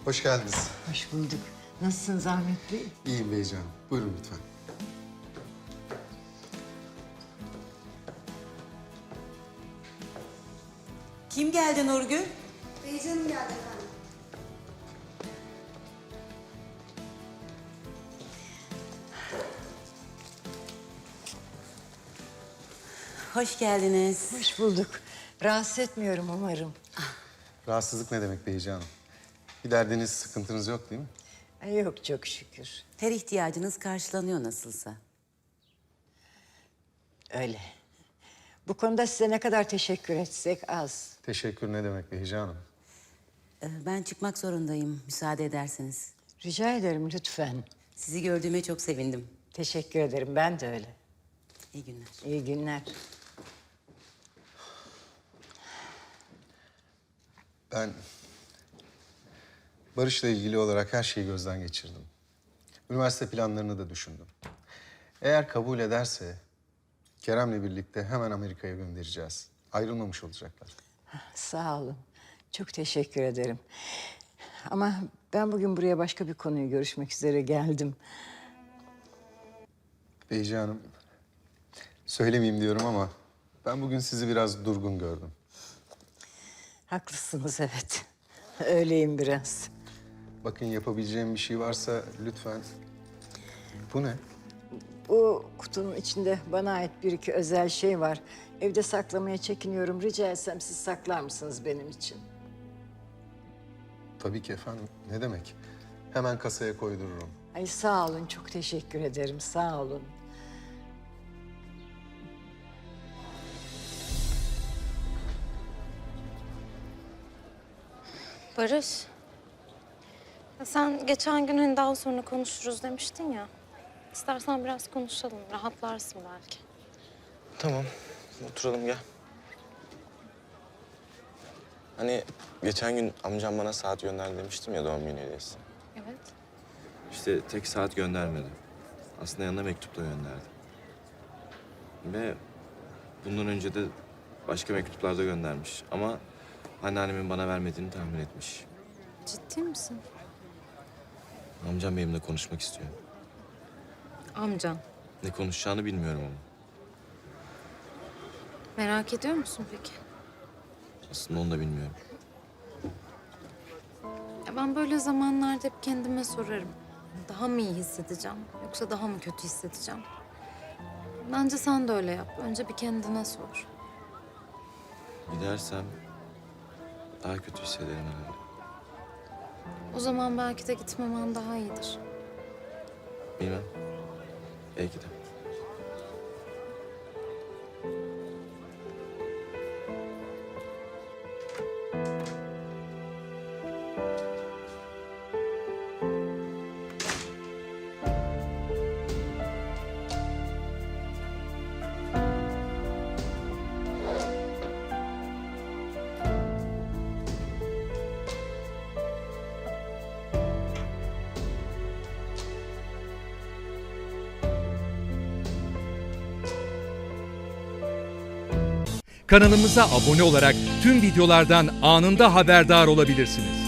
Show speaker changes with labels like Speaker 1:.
Speaker 1: Hoş geldiniz.
Speaker 2: Hoş bulduk. Nasılsınız Ahmet Bey?
Speaker 1: İyiyim beycanım. Buyurun lütfen.
Speaker 3: Kim geldi Nurgül?
Speaker 4: Beycanım geldi efendim.
Speaker 3: Hoş geldiniz.
Speaker 2: Hoş bulduk. Rahatsız etmiyorum umarım.
Speaker 1: Rahatsızlık ne demek beycanım? Bir derdiniz, sıkıntınız yok değil mi?
Speaker 2: Yok çok şükür.
Speaker 3: Her ihtiyacınız karşılanıyor nasılsa.
Speaker 2: Öyle. Bu konuda size ne kadar teşekkür etsek az.
Speaker 1: Teşekkür ne demek beycanım?
Speaker 3: Ben çıkmak zorundayım müsaade ederseniz.
Speaker 2: Rica ederim lütfen.
Speaker 3: Sizi gördüğüme çok sevindim.
Speaker 2: Teşekkür ederim. Ben de öyle.
Speaker 3: İyi günler.
Speaker 2: İyi günler.
Speaker 1: Ben Barış'la ilgili olarak her şeyi gözden geçirdim. Üniversite planlarını da düşündüm. Eğer kabul ederse Kerem'le birlikte hemen Amerika'ya göndereceğiz. Ayrılmamış olacaklar.
Speaker 2: Sağ olun. Çok teşekkür ederim. Ama ben bugün buraya başka bir konuyu görüşmek üzere geldim.
Speaker 1: Beycanım, söylemeyeyim diyorum ama ben bugün sizi biraz durgun gördüm.
Speaker 2: Haklısınız evet. Öyleyim biraz.
Speaker 1: Bakın yapabileceğim bir şey varsa lütfen. Bu ne?
Speaker 2: Bu kutunun içinde bana ait bir iki özel şey var. Evde saklamaya çekiniyorum. Rica etsem siz saklar mısınız benim için?
Speaker 1: Tabii ki efendim. Ne demek? Hemen kasaya koydururum.
Speaker 2: Ay sağ olun, çok teşekkür ederim. Sağ olun.
Speaker 5: Barış. Ya sen geçen gün hani daha sonra konuşuruz demiştin ya. İstersen biraz konuşalım. Rahatlarsın belki.
Speaker 6: Tamam, oturalım gel. Hani geçen gün amcam bana saat gönder demiştim ya doğum günü hediyesi.
Speaker 5: Evet.
Speaker 6: İşte tek saat göndermedi. Aslında yanına mektup da gönderdi. Ve bundan önce de başka mektuplar da göndermiş. Ama anneannemin bana vermediğini tahmin etmiş.
Speaker 5: Ciddi misin?
Speaker 6: Amcam benimle konuşmak istiyor.
Speaker 5: Amcan.
Speaker 6: Ne konuşacağını bilmiyorum ama.
Speaker 5: Merak ediyor musun peki?
Speaker 6: Aslında onu da bilmiyorum.
Speaker 5: Ya ben böyle zamanlarda hep kendime sorarım. Daha mı iyi hissedeceğim yoksa daha mı kötü hissedeceğim? Bence sen de öyle yap. Önce bir kendine sor.
Speaker 6: Gidersem daha kötü hissederim herhalde.
Speaker 5: O zaman belki de gitmemen daha iyidir.
Speaker 6: Bilmem. Belki de.
Speaker 7: Kanalımıza abone olarak tüm videolardan anında haberdar olabilirsiniz.